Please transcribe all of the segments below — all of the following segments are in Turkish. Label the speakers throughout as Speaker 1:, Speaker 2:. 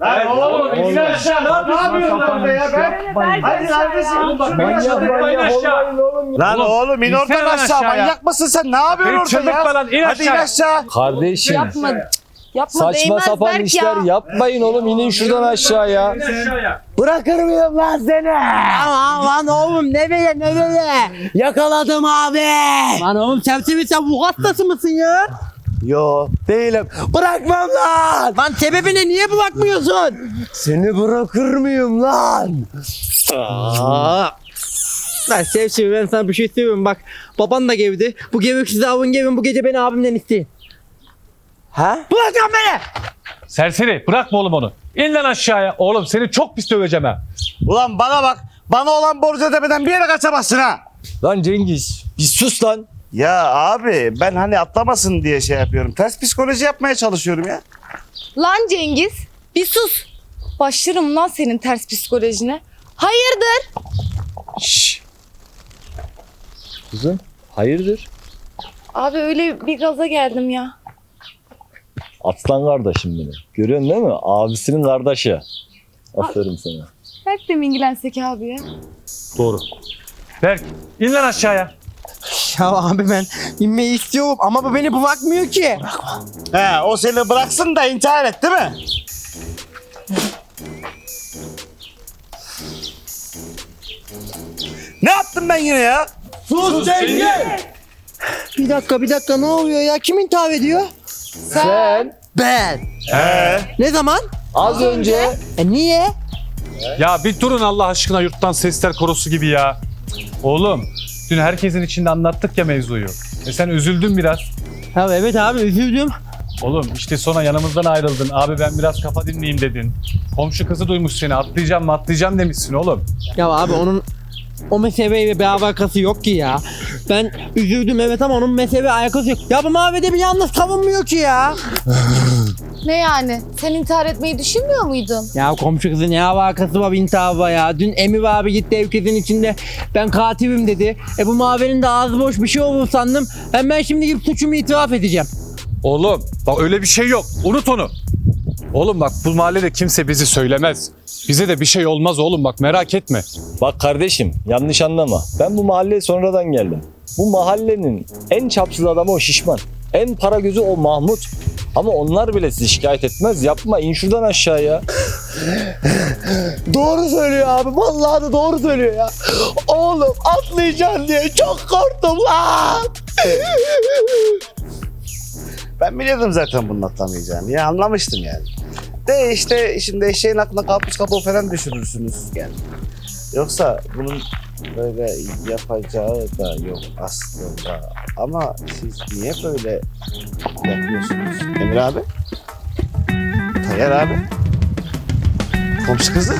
Speaker 1: Lan oğlum in aşağı. Ne yapıyorsun orada ya? Hadi kardeşim. Lan oğlum in oradan aşağı. Manyak mısın sen? Ne yapıyorsun orada ya? Hadi in aşağı.
Speaker 2: Kardeşim.
Speaker 3: Yapma. Yapma,
Speaker 2: Saçma
Speaker 3: değmez
Speaker 2: sapan
Speaker 3: Berk
Speaker 2: işler
Speaker 3: ya.
Speaker 2: yapmayın oğlum, inin şuradan aşağıya.
Speaker 4: Bırakır mıyım lan seni?
Speaker 5: Aman lan oğlum nereye?
Speaker 4: Yakaladım abi.
Speaker 5: Lan oğlum sen bu hastası mısın ya?
Speaker 4: Yo değilim. Bırakmam lan.
Speaker 5: Lan sebebine niye bakmıyorsun?
Speaker 4: Seni bırakır mıyım lan?
Speaker 5: Lan Sevşi, ben sana bir şey söyleyeyim bak. Baban da gevdi. Bu geveksiz avın gevin bu gece beni abimden isteyin.
Speaker 4: Ha?
Speaker 5: Bırak lan beni!
Speaker 6: Serseri bırakma oğlum onu. İn lan aşağıya. Oğlum seni çok pis döveceğim ha.
Speaker 1: Ulan bana bak. Bana olan borcu ödemeden bir yere kaçamazsın ha.
Speaker 2: Lan Cengiz bir sus lan.
Speaker 1: Ya abi ben hani atlamasın diye şey yapıyorum. Ters psikoloji yapmaya çalışıyorum ya.
Speaker 3: Lan Cengiz bir sus. Başlarım lan senin ters psikolojine. Hayırdır?
Speaker 2: Şşş. Kızım hayırdır?
Speaker 3: Abi öyle bir gaza geldim ya.
Speaker 2: Aslan kardeşim benim. Görüyorsun değil mi? Abisinin kardeşi. Aferin sana.
Speaker 3: Berk de mi ilgilensek abi ya?
Speaker 6: Doğru. Berk in lan aşağıya.
Speaker 5: Ya abi ben inmeyi istiyorum ama bu beni bırakmıyor ki.
Speaker 1: He o seni bıraksın da intihar et değil mi? Ne yaptım ben yine ya?
Speaker 4: Sus Cengiz.
Speaker 5: Bir dakika ne oluyor ya? Kim intihar ediyor?
Speaker 2: Sen
Speaker 5: Ben. Ne zaman?
Speaker 2: az önce
Speaker 5: Niye?
Speaker 6: Ya bir durun Allah aşkına yurttan sesler korosu gibi ya. Oğlum dün herkesin içinde anlattık ya mevzuyu. Sen üzüldün biraz.
Speaker 5: Ya evet abi üzüldüm.
Speaker 6: Oğlum işte sonra yanımızdan ayrıldın. Abi ben biraz kafa dinleyeyim dedin. Komşu kızı duymuş seni. Atlayacağım demişsin oğlum.
Speaker 5: Ya abi onun o meseleyle bir alakası yok ki ya. Ben üzüldüm evet ama onun meseleyle alakası yok. Ya bu mavide bir yalnız savunmuyor ki ya.
Speaker 3: Ne yani? Sen intihar etmeyi düşünmüyor muydun?
Speaker 5: Ya komşu kızın ne alakası var intiharla ya. Dün Emir abi gitti ev kızın içinde ben katilim dedi. Bu mavinin de ağzı boş bir şey olur sandım. Ben şimdi gidip suçumu itiraf edeceğim.
Speaker 6: Oğlum bak öyle bir şey yok. Unut onu. Oğlum bak bu mahallede kimse bizi söylemez. Bize de bir şey olmaz oğlum bak merak etme.
Speaker 2: bak kardeşim yanlış anlama. Ben bu mahalleye sonradan geldim. Bu mahallenin en çapsız adamı o Şişman. En para gözü o Mahmut. Ama onlar bile sizi şikayet etmez. Yapma, in şuradan aşağıya.
Speaker 4: Doğru söylüyor abi. Vallahi de doğru söylüyor ya. Oğlum atlayacaksın diye çok korktum lan.
Speaker 1: Ben biliyordum zaten bunun atlamayacağını. Ya anlamıştım yani. De işte şimdi eşeğin aklına karpuz kabuğu falan düşürürsünüz yani. Yoksa bunun böyle yapacağı da yok aslında. Ama siz niye böyle yapıyorsunuz? Emir abi? Tayyar abi? Komşu kızı?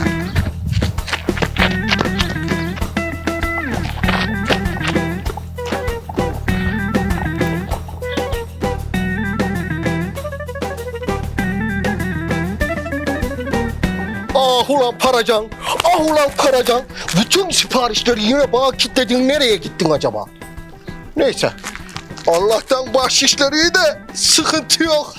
Speaker 7: Ah ulan Paracan, ah ulan Paracan. Bütün siparişleri yine bana kilitledin. Nereye gittin acaba? Neyse. Allah'tan bahşişleri iyi de sıkıntı yok.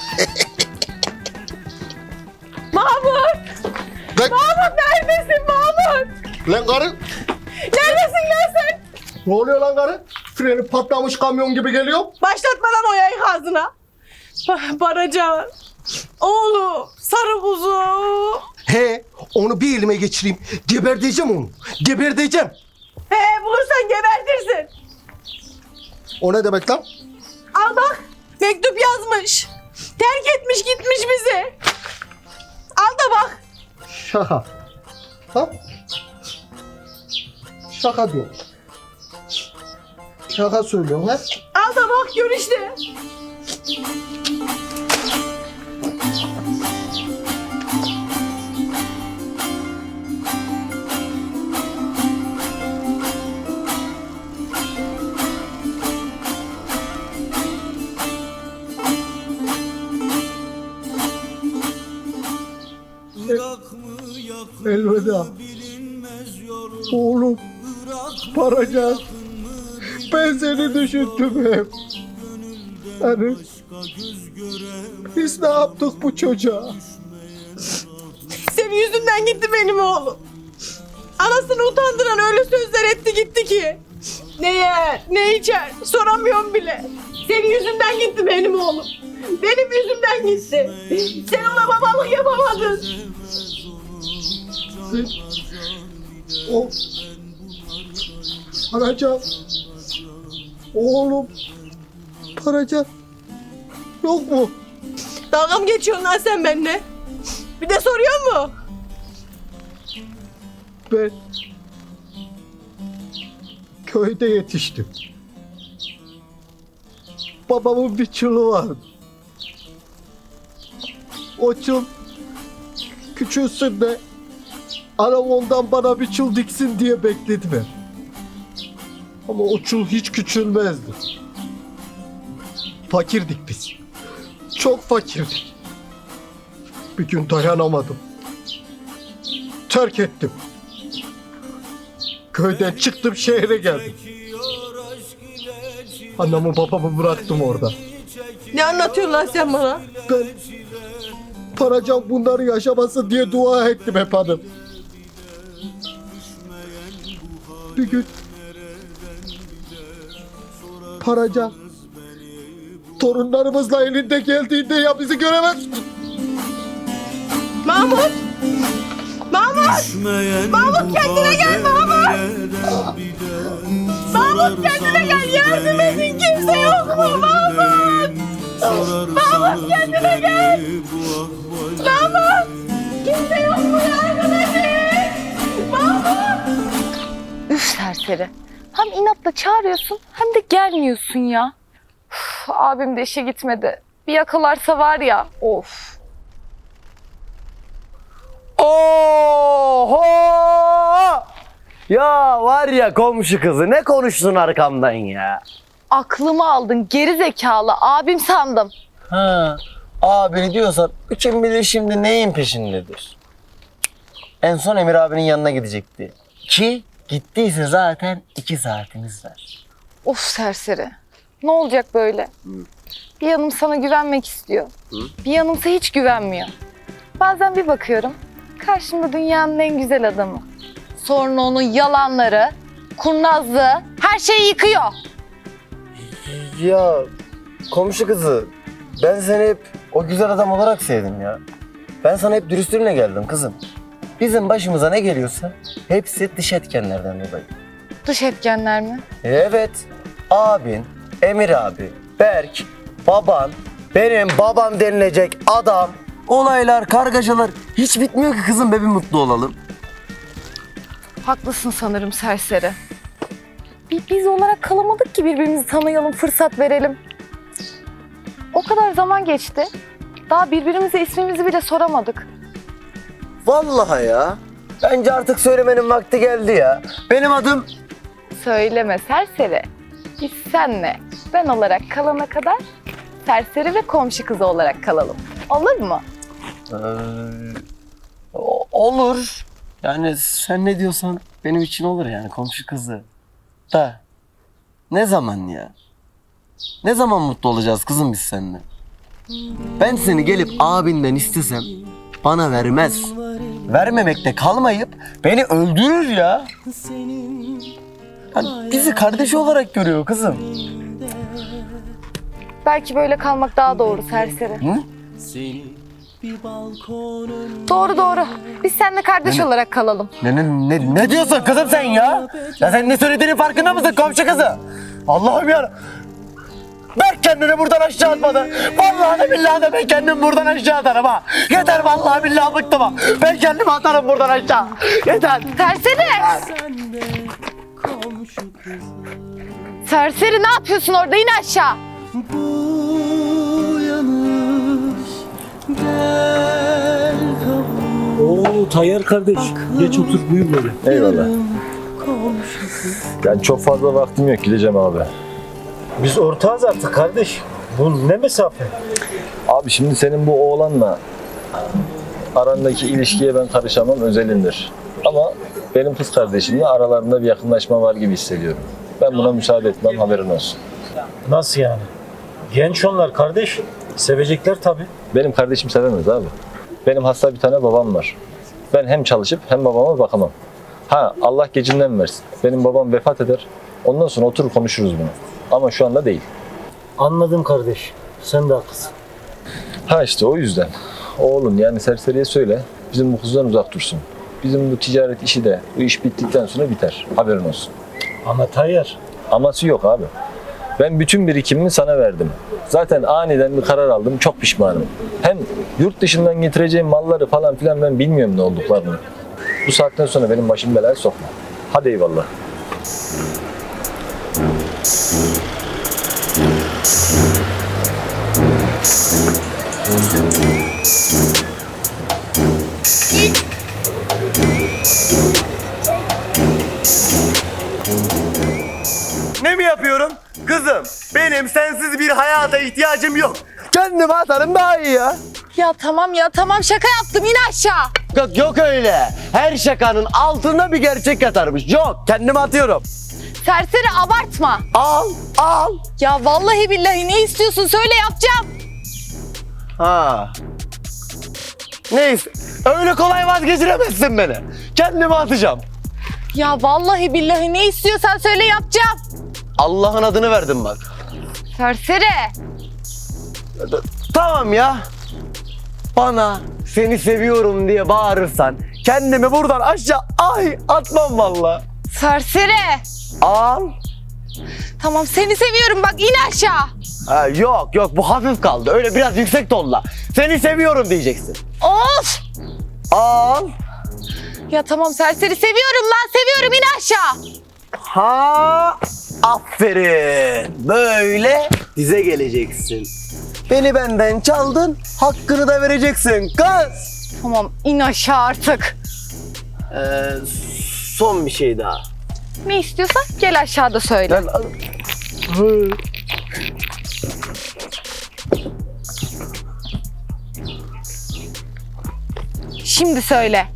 Speaker 3: Mahmut!
Speaker 7: Lan,
Speaker 3: Mahmut neredesin Mahmut?
Speaker 7: lan karı,
Speaker 3: Neredesin lan sen?
Speaker 7: ne oluyor lan karı? Freni patlamış kamyon gibi geliyor.
Speaker 8: Başlatma lan o yayık ağzına. Baracan. Oğlum. Sarı kuzum.
Speaker 7: He, onu bir elime geçireyim. Geberdeceğim onu. Geberdeceğim.
Speaker 8: He bulursan gebertirsin.
Speaker 7: O ne demek lan?
Speaker 8: Al bak. Mektup yazmış. Terk etmiş gitmiş bizi. Al da bak.
Speaker 7: Şaka. Ha? Şaka diyor. Şaka söylüyorum ha?
Speaker 8: Al da bak gör işte.
Speaker 7: Elveda. Oğlum. Paracan. Ben seni düşündüm hep. Hani biz ne yaptık bu çocuğa?
Speaker 8: yüzünden gitti benim oğlum. Anasını utandıran öyle sözler etti gitti ki. Ne yer, ne içer soramıyorum bile. Senin yüzünden gitti benim oğlum. Benim yüzümden gitti. Sen ona babalık yapamadın.
Speaker 7: O Paracan. Oğlum. Paracan. Yok mu?
Speaker 8: Dalga mı geçiyorsun lan sen benimle? Bir de soruyor mu?
Speaker 7: Ben köyde yetiştim. Babamın bir çulu vardı. O çul küçülsün de anam ondan bana bir çul diksin diye bekledim hep. Ama o çul hiç küçülmezdi. Fakirdik biz. Çok fakirdik. Bir gün dayanamadım. Terk ettim. Köyden çıktım şehre geldim. Anamı babamı bıraktım orada.
Speaker 8: Ne anlatıyorsun lan sen bana?
Speaker 7: Ben Paracan bunları yaşamasın diye dua ettim hep hanım. Bir gün Paracan torunlarımızla elinde geldiğinde ya bizi göremez.
Speaker 8: Mahmut! Mahmut! Mahmut kendine gel Mahmut! Mahmut kendine gel, yardım edin, kimse yok mu Mahmut? Mahmut kendine gel! Mahmut! Kimse yok mu, yardım edin! Mahmut!
Speaker 3: Üf serseri. Hem inatla çağırıyorsun hem de gelmiyorsun ya. Uf, abim de işe gitmedi. Bir yakalarsa var ya, of.
Speaker 4: Oho! Ya var ya komşu kızı ne konuştun arkamdan ya?
Speaker 3: Aklımı aldın geri zekalı, abim sandım.
Speaker 4: Ha, abini diyorsan kim bilir şimdi neyin peşindedir. En son Emir abinin yanına gidecekti. Ki gittiyse zaten 2 saatimiz var.
Speaker 3: Of serseri. Ne olacak böyle? Bir yanım sana güvenmek istiyor. Bir yanımsa hiç güvenmiyor. Bazen bir bakıyorum, karşımda dünyanın en güzel adamı. Sonra onun yalanları, kurnazlığı, her şeyi yıkıyor.
Speaker 4: Ya komşu kızı ben seni hep o güzel adam olarak sevdim ya. Ben sana hep dürüstlüğünle geldim kızım. Bizim başımıza ne geliyorsa hepsi dış etkenlerden dolayı.
Speaker 3: Dış etkenler mi?
Speaker 4: Evet. Abin, Emir abi, Berk, baban, benim babam denilecek adam. Olaylar, kargaşalar hiç bitmiyor ki kızım be bir mutlu olalım.
Speaker 3: Haklısın sanırım serseri. Biz olarak kalamadık ki birbirimizi tanıyalım, fırsat verelim. O kadar zaman geçti. Daha birbirimize ismimizi bile soramadık.
Speaker 4: Vallahi ya. Bence artık söylemenin vakti geldi ya. Benim adım...
Speaker 3: Söyleme serseri. Biz senle ben olarak kalana kadar serseri ve komşu kızı olarak kalalım. Olur mu?
Speaker 4: Olur. Yani sen ne diyorsan benim için olur yani komşu kızı. Da ne zaman ya? Ne zaman mutlu olacağız kızım biz seninle? Ben seni gelip abinden istesem bana vermez. Vermemekte kalmayıp beni öldürür ya. Yani bizi kardeşi olarak görüyor kızım.
Speaker 3: Belki böyle kalmak daha doğru serseri.
Speaker 4: Hı?
Speaker 3: Doğru. Biz seninle kardeş olarak kalalım.
Speaker 4: Ne diyorsun kızım sen ya? Ya sen ne söylediğinin farkında mısın komşu kızı? Allah'ım ya. Berk kendini buradan aşağı atmadı. Vallahi de billahi de ben kendimi buradan aşağı atarım ha. Yeter vallahi billahi bıktım ha. Ben kendimi atarım buradan aşağı. Yeter.
Speaker 3: Serseri! Serseri ne yapıyorsun orada? İn aşağı.
Speaker 2: Oo Tayyar kardeş. Geç otur buyur böyle. Eyvallah. Yani çok fazla vaktim yok gideceğim abi.
Speaker 9: Biz ortağız artık kardeş. Bu ne mesafe?
Speaker 2: Abi şimdi senin bu oğlanla arandaki ilişkiye ben karışamam özelindir. Ama benim kız kardeşimle aralarında bir yakınlaşma var gibi hissediyorum. Ben buna müsaade etmem haberin olsun.
Speaker 9: Nasıl yani? Genç onlar kardeş. Sevecekler tabii.
Speaker 2: Benim kardeşim sevemez abi. Benim hasta bir tane babam var. ben hem çalışıp hem babama bakamam. Ha, Allah gecinden versin. Benim babam vefat eder. Ondan sonra oturur konuşuruz bunu. Ama şu anda değil.
Speaker 9: Anladım kardeş. Sen de haklısın.
Speaker 2: Ha işte o yüzden. Oğlum yani serseriye söyle. Bizim bu kızdan uzak dursun. Bizim bu ticaret işi de bu iş bittikten sonra biter. Haberin olsun.
Speaker 9: Ama Tayyar.
Speaker 2: Aması yok abi. Ben bütün birikimimi sana verdim. Zaten aniden bir karar aldım. Çok pişmanım. Hem yurt dışından getireceğim malları falan filan ben bilmiyorum ne olduklarını. Bu saatten sonra benim başım belaya sokma. Hadi eyvallah.
Speaker 10: Ne mi yapıyorum? Kızım, benim sensiz bir hayata ihtiyacım yok. Kendime atarım daha iyi ya.
Speaker 3: Ya tamam şaka yaptım, in aşağı.
Speaker 10: Yok öyle. Her şakanın altında bir gerçek yatarmış. Yok, kendime atıyorum.
Speaker 3: Serseri abartma.
Speaker 10: Al.
Speaker 3: Ya vallahi billahi ne istiyorsun söyle yapacağım.
Speaker 10: Ha. Neyse, öyle kolay vazgeçiremezsin beni. Kendime atacağım.
Speaker 3: Ya vallahi billahi ne istiyorsan söyle yapacağım.
Speaker 10: Allah'ın adını verdim bak.
Speaker 3: Serseri.
Speaker 10: Tamam ya. Bana seni seviyorum diye bağırırsan kendimi buradan aşağı atmam vallahi.
Speaker 3: Serseri.
Speaker 10: Al.
Speaker 3: Tamam seni seviyorum bak in aşağı.
Speaker 10: Ha, yok bu hafif kaldı. Öyle biraz yüksek tonla. Seni seviyorum diyeceksin.
Speaker 3: Of.
Speaker 10: Al.
Speaker 3: Ya tamam serseri seviyorum lan seviyorum in aşağı.
Speaker 10: Ha, aferin. Böyle dize geleceksin. Beni benden çaldın, hakkını da vereceksin kız.
Speaker 3: Tamam in aşağı artık.
Speaker 10: Son bir şey daha.
Speaker 3: Ne istiyorsan gel aşağıda söyle. Şimdi söyle.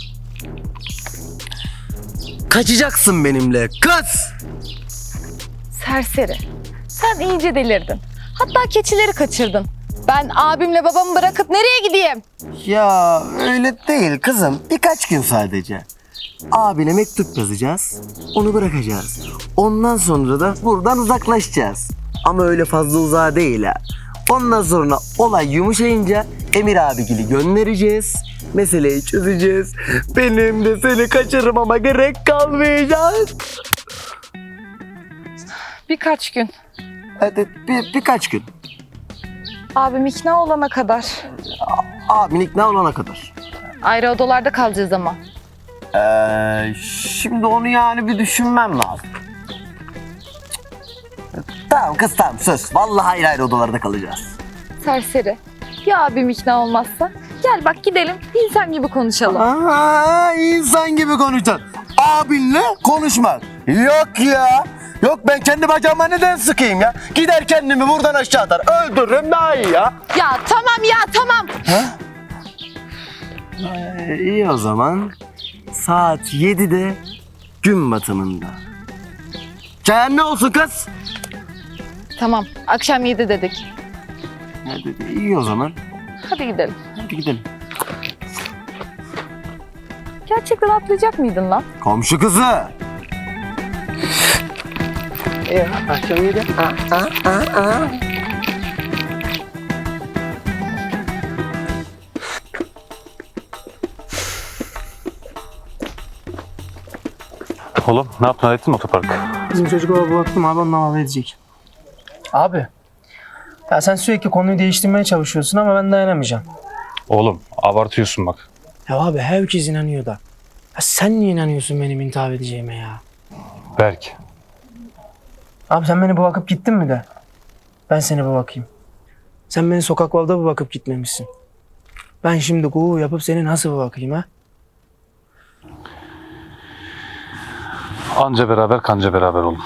Speaker 10: Kaçacaksın benimle kız.
Speaker 3: Serseri. Sen iyice delirdin. Hatta keçileri kaçırdın. Ben abimle babamı bırakıp nereye gideyim?
Speaker 10: Ya öyle değil kızım. Birkaç gün sadece. Abine mektup yazacağız. Onu bırakacağız. Ondan sonra da buradan uzaklaşacağız. Ama öyle fazla uzağa değil ha. Ondan sonra olay yumuşayınca Emir abigili göndereceğiz. Meseleyi çözeceğiz. Benim de seni kaçırmama gerek kalmayacak.
Speaker 3: Birkaç gün.
Speaker 10: Hadi birkaç gün.
Speaker 3: Abim ikna olana kadar.
Speaker 10: Abin ikna olana kadar.
Speaker 3: Ayrı odalarda kalacağız ama.
Speaker 10: Şimdi onu yani bir düşünmem lazım. Tamam kız tamam söz. Vallahi ayrı ayrı odalarda kalacağız.
Speaker 3: Serseri. Ya abim ikna olmazsa? Gel bak gidelim insan gibi konuşalım.
Speaker 10: Aa, insan gibi konuşacaksın. Abinle konuşmak. Yok ya. Yok ben kendi bacağıma neden sıkayım ya? Gider kendimi buradan aşağı atar. Öldürürüm daha iyi ya.
Speaker 3: Ya tamam.
Speaker 10: İyi o zaman. Saat 7'de gün batımında. Çayan ne olsun kız?
Speaker 3: Tamam akşam 7 dedik.
Speaker 10: İyi o zaman.
Speaker 3: Hadi gidelim.
Speaker 10: Hadi gidelim.
Speaker 3: Gerçekten atlayacak mıydın lan?
Speaker 10: Komşu kızı. Akşam 7.
Speaker 6: Oğlum ne yaptın? Hallettin mi otoparkı?
Speaker 5: Bizim çocuklara baktım abi ondan haber edecek. Abi. Ya sen sürekli konuyu değiştirmeye çalışıyorsun ama ben dayanamayacağım.
Speaker 6: Oğlum abartıyorsun bak.
Speaker 5: Ya abi herkes inanıyor da. Ya sen niye inanıyorsun benim intihar edeceğime ya?
Speaker 6: Berk.
Speaker 5: Abi sen beni bırakıp gittin mi de? Ben seni bırakayım. Sen beni sokaklarda bırakıp gitmemişsin. Ben şimdi gurur yapıp seni nasıl bırakayım ha?
Speaker 6: Anca beraber kanca beraber oğlum.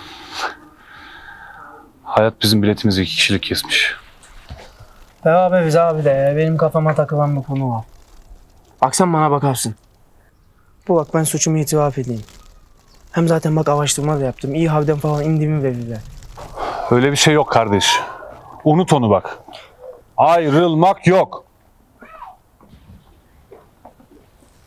Speaker 6: Hayat bizim biletimizi 2 kişilik kesmiş.
Speaker 5: Beraberiz abi de benim kafama takılan bir konu var. Bak sen bana bakarsın. Bu bak ben suçumu itiraf edeyim. Hem zaten bak araştırma da yaptım. İyi havden falan indiğimi verirler.
Speaker 6: Öyle bir şey yok kardeş. Unut onu bak. Ayrılmak yok.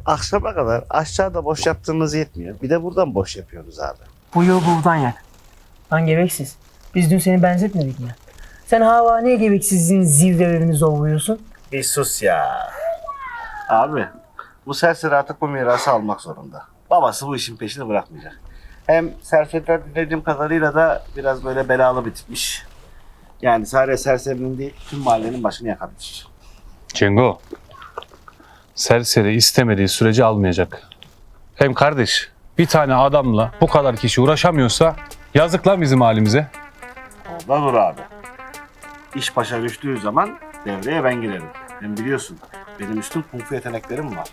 Speaker 1: akşama kadar aşağıda boş yaptığımız yetmiyor. Bir de buradan boş yapıyoruz abi.
Speaker 5: Bu yıl buradan yak. Lan gebeksiz. Biz dün seni benzetmedik mi? Sen hala niye gebeksizliğin zirvelerini zorluyorsun?
Speaker 1: Bir sus ya. Abi bu serseri artık bu mirası almak zorunda. Babası bu işin peşini bırakmayacak. Hem serseriden dinlediğim kadarıyla da biraz böyle belalı bir tipmiş. Yani sadece serserinin değil tüm mahallenin başını yakabilir.
Speaker 6: Cengo, serseri istemediği sürece almayacak. Hem kardeş, bir tane adamla bu kadar kişi uğraşamıyorsa yazık lan bizim halimize.
Speaker 1: Ondan dur abi. İş başa düştüğü zaman devreye ben girerim. Hem biliyorsun benim üstün kung fu yeteneklerim var.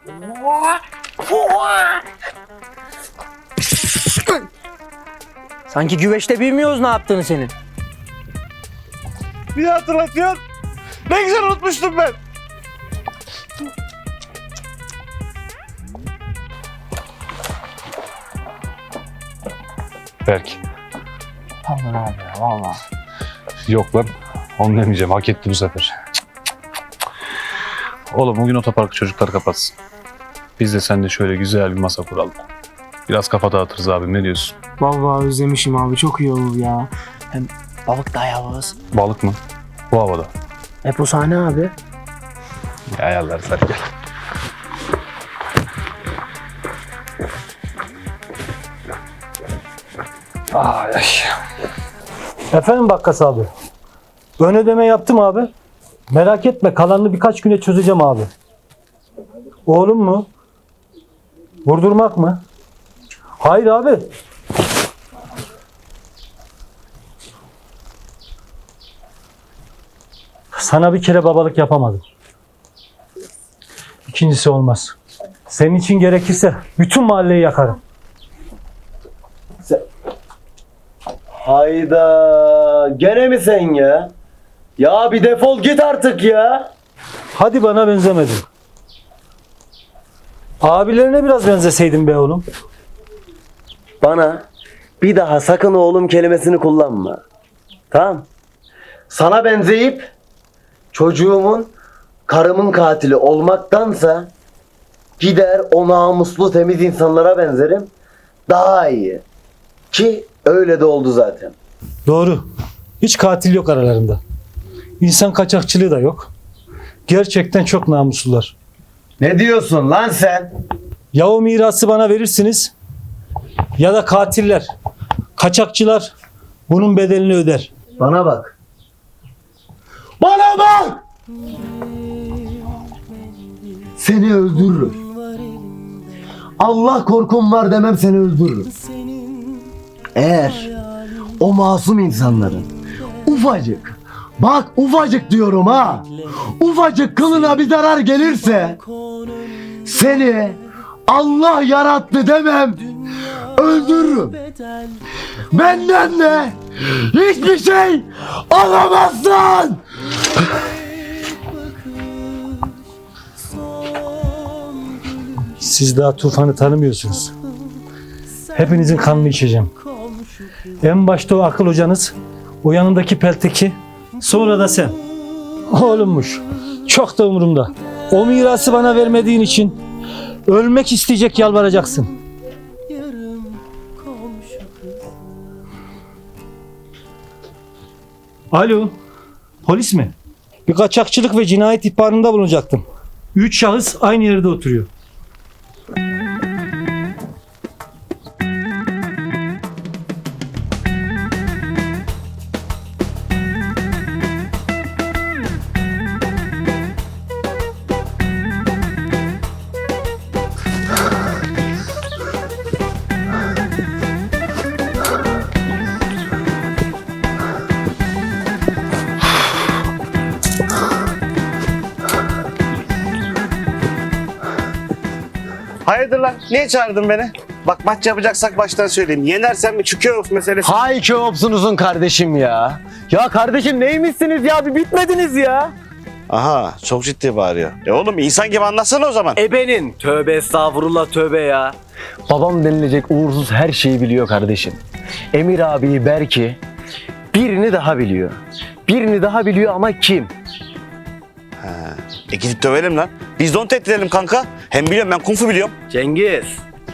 Speaker 5: Sanki güveçte bilmiyoruz ne yaptığını senin.
Speaker 1: Bir hatırlatıyor. Ne güzel unutmuştum ben.
Speaker 6: Berk.
Speaker 5: Pardon abi ya valla.
Speaker 6: Yok lan. Onu demeyeceğim. Hak etti bu sefer. Oğlum bugün otoparkı çocuklar kapatsın. Biz de seninle şöyle güzel bir masa kuralım. Biraz kafa dağıtırız abim, ne diyorsun?
Speaker 5: Vallahi özlemişim abi çok iyi olur ya. Hem balık da ayarlarız.
Speaker 6: Balık mı? Bu havada.
Speaker 5: Hep o sahne abi.
Speaker 6: Ayarlarız, hadi gel.
Speaker 9: Ay, ay. Efendim Bakkas abi. Ön ödeme yaptım abi. Merak etme kalanını birkaç güne çözeceğim abi. Oğlum mu? Vurdurmak mı? Hayır abi. Sana bir kere babalık yapamadım. İkincisi olmaz. Senin için gerekirse bütün mahalleyi yakarım.
Speaker 10: Hayda. Gene mi sen ya? Ya bir defol git artık ya.
Speaker 9: Hadi bana benzemedin. Abilerine biraz benzeseydin be oğlum.
Speaker 10: Bana bir daha sakın oğlum kelimesini kullanma. Tamam. Sana benzeyip çocuğumun, karımın katili olmaktansa gider o namuslu temiz insanlara benzerim. Daha iyi. Ki öyle de oldu zaten.
Speaker 9: Doğru. Hiç katil yok aralarında. İnsan kaçakçılığı da yok. Gerçekten çok namuslular.
Speaker 10: Ne diyorsun lan sen?
Speaker 9: Ya o mirası bana verirsiniz ya da katiller, kaçakçılar bunun bedelini öder.
Speaker 10: Bana bak. Bana bak! Seni öldürürüm. Allah korkum var demem seni öldürürüm. Eğer o masum insanların ufacık, bak ufacık diyorum ha, ufacık kılına bir zarar gelirse seni Allah yarattı demem, öldürürüm. Benden de hiçbir şey alamazsın.
Speaker 9: Siz daha Tufan'ı tanımıyorsunuz. Hepinizin kanını içeceğim. En başta o akıl hocanız, o yanındaki pelteki, sonra da sen. Oğlummuş. Çok da umurumda. O mirası bana vermediğin için ölmek isteyecek yalvaracaksın. Alo, polis mi? Bir kaçakçılık ve cinayet ihbarında bulunacaktım. 3 şahıs aynı yerde oturuyor.
Speaker 1: Hayırdır lan? Niye çağırdın beni? Bak maç yapacaksak baştan söyleyeyim. Yenersen mi çıkıyor meselesi?
Speaker 10: Hay Keopsunuzun kardeşim ya. Ya kardeşim neymişsiniz ya, bir bitmediniz ya.
Speaker 1: Aha çok ciddi bağırıyor. Oğlum insan gibi anlatsana o zaman.
Speaker 10: Ebenin. Tövbe estağfurullah tövbe ya. Babam denilecek uğursuz her şeyi biliyor kardeşim. Emir abi Berk'i birini daha biliyor. Birini daha biliyor ama kim?
Speaker 1: Gidip dövelim lan. Biz de onu tehdit edelim kanka. Hem biliyorum, ben kung fu biliyorum.
Speaker 10: Cengiz.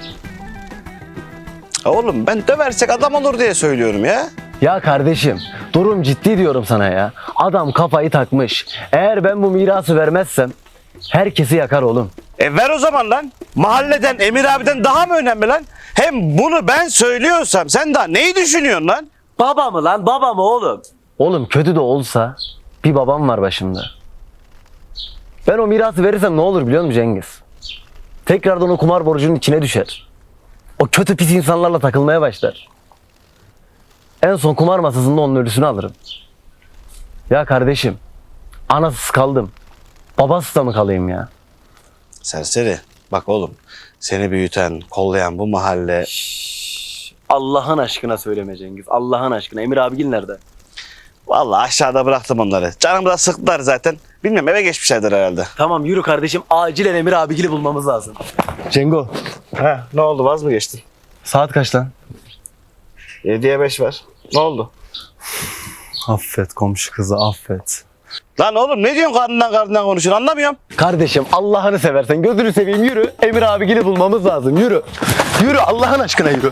Speaker 1: Oğlum ben döversek adam olur diye söylüyorum ya.
Speaker 10: Ya kardeşim durum ciddi diyorum sana ya. Adam kafayı takmış. Eğer ben bu mirası vermezsem herkesi yakar oğlum.
Speaker 1: Ver o zaman lan. Mahalleden, Emir abiden daha mı önemli lan? Hem bunu ben söylüyorsam sen daha neyi düşünüyorsun lan?
Speaker 10: Baba mı lan, baba mı oğlum? Oğlum kötü de olsa bir babam var başımda. Ben o mirası verirsem ne olur biliyor musun Cengiz? Tekrardan o kumar borcunun içine düşer. O kötü pis insanlarla takılmaya başlar. En son kumar masasında onun ölüsünü alırım. Ya kardeşim, anasız kaldım. Babasız da mı kalayım ya?
Speaker 1: Serseri. Bak oğlum, seni büyüten, kollayan bu mahalle...
Speaker 10: Allah'ın aşkına söyleme Cengiz. Allah'ın aşkına. Emir abigil nerede?
Speaker 1: Vallahi aşağıda bıraktım onları. Canımı da sıktılar zaten. Bilmiyorum, eve geçmişlerdir herhalde.
Speaker 10: Tamam yürü kardeşim. Acilen Emir abigili bulmamız lazım. Cengo.
Speaker 1: He, ne oldu, vaz mı geçtin?
Speaker 10: Saat kaç lan?
Speaker 1: 7'ye 5 var. Ne oldu?
Speaker 10: Affet komşu kızı affet.
Speaker 1: Lan oğlum ne diyorsun, karnından konuşuyorsun, anlamıyorum.
Speaker 10: Kardeşim Allah'ını seversen gözünü seveyim yürü. Emir abigili bulmamız lazım yürü. Yürü Allah'ın aşkına yürü.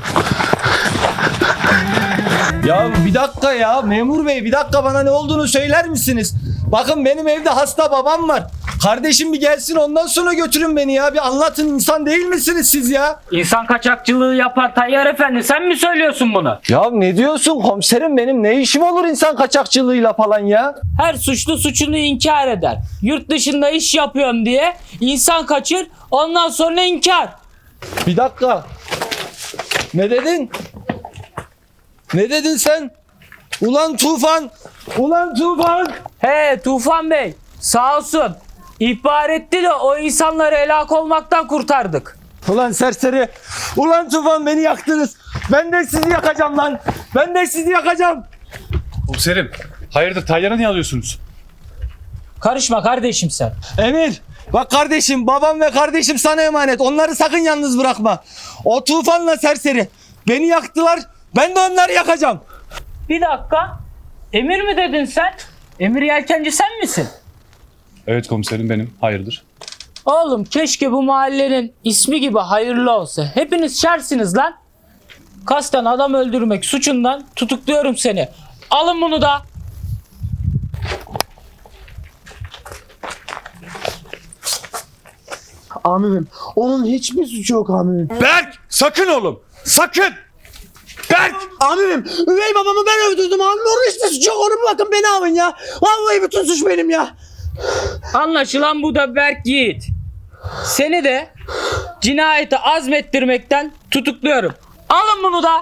Speaker 2: Ya bir dakika ya memur bey, bir dakika, bana ne olduğunu söyler misiniz? Bakın benim evde hasta babam var. Kardeşim bir gelsin, ondan sonra götürün beni ya. Bir anlatın, insan değil misiniz siz ya?
Speaker 11: İnsan kaçakçılığı yapar Tayyar Efendi, sen mi söylüyorsun bunu?
Speaker 2: Ya ne diyorsun komiserim, benim ne işim olur insan kaçakçılığıyla falan ya?
Speaker 11: Her suçlu suçunu inkar eder. Yurt dışında iş yapıyorum diye insan kaçır, ondan sonra inkar.
Speaker 2: Bir dakika. Ne dedin? Ne dedin sen? Ulan Tufan! Ulan Tufan!
Speaker 11: He Tufan Bey, sağ olsun. İhbar etti de o insanları helak olmaktan kurtardık.
Speaker 2: Ulan serseri! Ulan Tufan, beni yaktınız! Ben de sizi yakacağım lan! Ben de sizi yakacağım!
Speaker 6: Komiserim, hayırdır Tayyar'ı niye alıyorsunuz?
Speaker 11: Karışma kardeşim sen.
Speaker 2: Emir! Bak kardeşim, babam ve kardeşim sana emanet. Onları sakın yalnız bırakma. O Tufan'la serseri beni yaktılar. Ben de onları yakacağım.
Speaker 11: Bir dakika. Emir mi dedin sen? Emir Yelkenci sen misin?
Speaker 6: Evet komiserim, benim. Hayırdır?
Speaker 11: Oğlum keşke bu mahallenin ismi gibi hayırlı olsa. Hepiniz şersiniz lan. Kasten adam öldürmek suçundan tutukluyorum seni. Alın bunu da.
Speaker 5: Amirim onun hiçbir suçu yok amirim.
Speaker 2: Berk! Sakın oğlum! Sakın! Berk!
Speaker 5: Amirim üvey babamı ben öldürdüm amirim. Onun hiçbir suçu yok. Onu bırakın beni alın ya. Vallahi bütün suç benim ya.
Speaker 11: Anlaşılan bu da Berk Yiğit. Seni de cinayeti azmettirmekten tutukluyorum. Alın bunu da.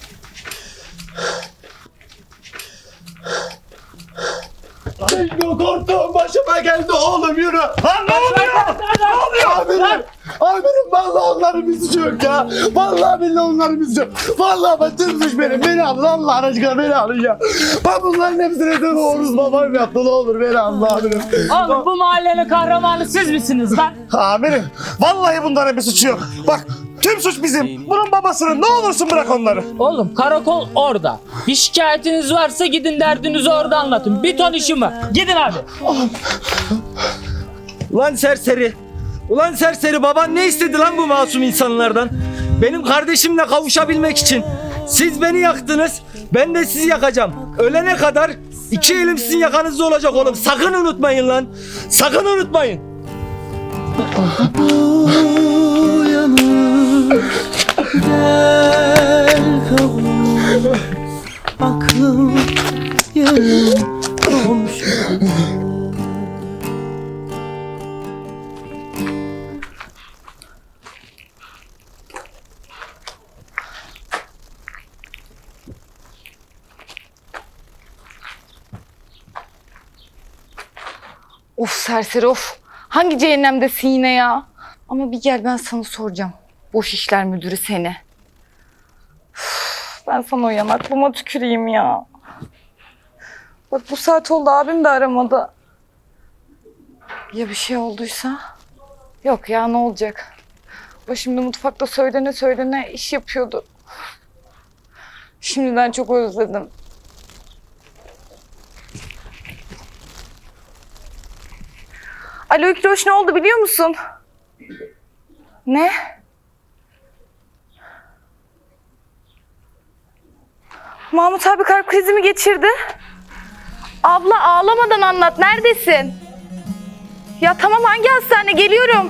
Speaker 5: Korktuğum başıma geldi oğlum yürü. Lan ne oluyor? Ne oluyor amirim? Amirim vallahi onların bir suçu yok ya. Vallahi billahi onların bir suçu yok. Vallahi ben tüm suç benim. Beni alın Allah aşkına beni alın ya. Ben bunların hepsine de doğruz babam yaptı. Ne olur beni alın amirim.
Speaker 11: Oğlum bu mahallenin kahramanı siz misiniz lan?
Speaker 1: Amirim, vallahi bunların bir suçu yok. Bak, tüm suç bizim. Bunun babasının, ne olursun bırak onları.
Speaker 11: Oğlum karakol orada. Bir şikayetiniz varsa gidin derdinizi orada anlatın. Bir ton işim var. Gidin abi.
Speaker 2: Ulan serseri! Ulan serseri, baban ne istedi lan bu masum insanlardan? Benim kardeşimle kavuşabilmek için. Siz beni yaktınız, ben de sizi yakacağım. Ölene kadar iki elim sizin yakanızda olacak oğlum. Sakın unutmayın lan. Sakın unutmayın.
Speaker 5: Aklım yarım komşu.
Speaker 3: Of serseri of. Hangi cehennemdesin yine ya? Ama bir gel, ben sana soracağım. Boş işler müdürü seni. Üf, ben sana o yanaklıma tüküreyim ya. Bak bu saat oldu, abim de aramadı. Ya bir şey olduysa? Yok ya, ne olacak? O şimdi mutfakta söylene iş yapıyordu. Şimdiden çok özledim. Alo İkroş, ne oldu biliyor musun? Ne? Mahmut abi kalp krizi mi geçirdi? Abla ağlamadan anlat. Neredesin? Ya tamam, hangi hastane? Geliyorum.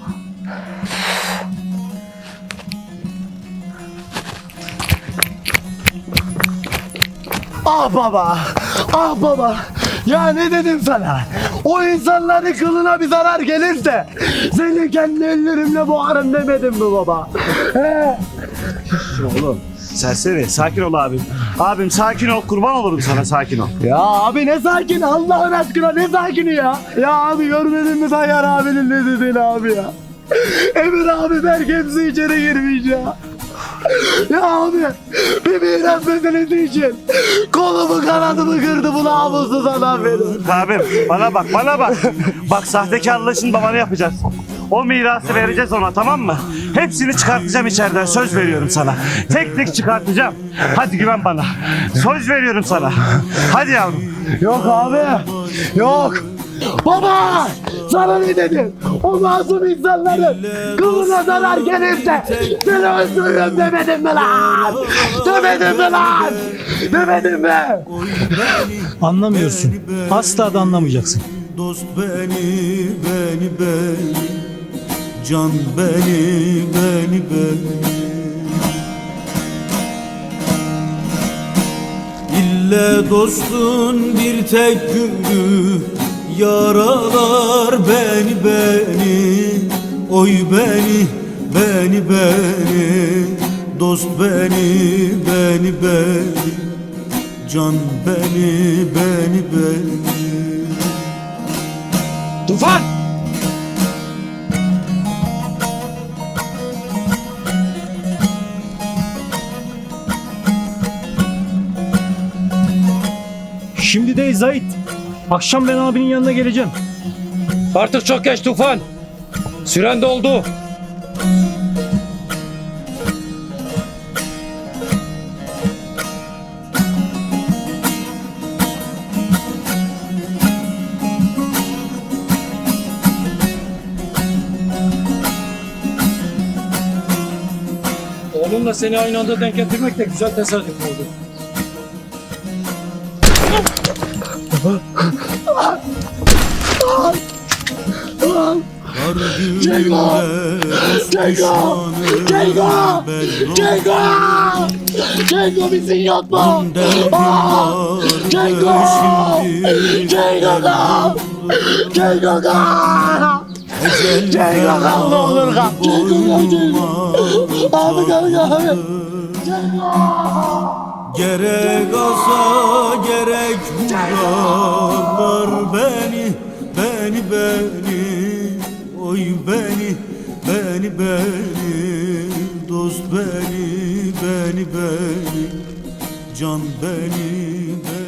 Speaker 7: Ah baba, ah baba. Ya ne dedim sana? O insanların kılına bir zarar gelirse seni kendi ellerimle boğarım demedim mi baba? He?
Speaker 1: Oğlum serseri sakin ol abim. Abim sakin ol, kurban olurum sana, sakin ol.
Speaker 7: Ya abi ne sakin, Allah'ın aşkına ne sakini ya? Ya abi görmedin mi Tayyar abinin ne dediğini abi ya? Emir abi belki hepsi içeri girmiş ya. Ya abi bir miras meselesi için kolumu kanadımı kırdı bu namussuz adam benim.
Speaker 1: Abim bana bak, bana bak. Bak sahtekarlığı şimdi babana yapacağız. O mirası vereceğiz ona, tamam mı? Hepsini çıkartacağım içeriden, söz veriyorum sana. Tek tek çıkartacağım. Hadi güven bana. Söz veriyorum sana. Hadi yavrum.
Speaker 7: Yok abi yok. Baba sana ne dedim? O masum insanların kılına zarar gelirse seni öldürürüm demedim mi lan? Demedim mi lan? Demedim mi?
Speaker 9: Anlamıyorsun. Asla da anlamayacaksın.
Speaker 12: Dost beni, can beni. İlle dostun bir tek günü yaralar beni. Oy beni. Dost beni. Can beni.
Speaker 5: Tufan!
Speaker 9: Şimdi değil Zahit. Akşam ben abinin yanına geleceğim.
Speaker 11: Artık çok geç Tufan. Süren doldu. Oğlumla seni aynı anda denk getirmek de güzel tesadüf oldu.
Speaker 7: Cengo misin yok mu? Cengo ne olur kal. Abi gel.
Speaker 12: Gerek asa gerek vurarlar beni. Oy beni. Dost beni. Can beni.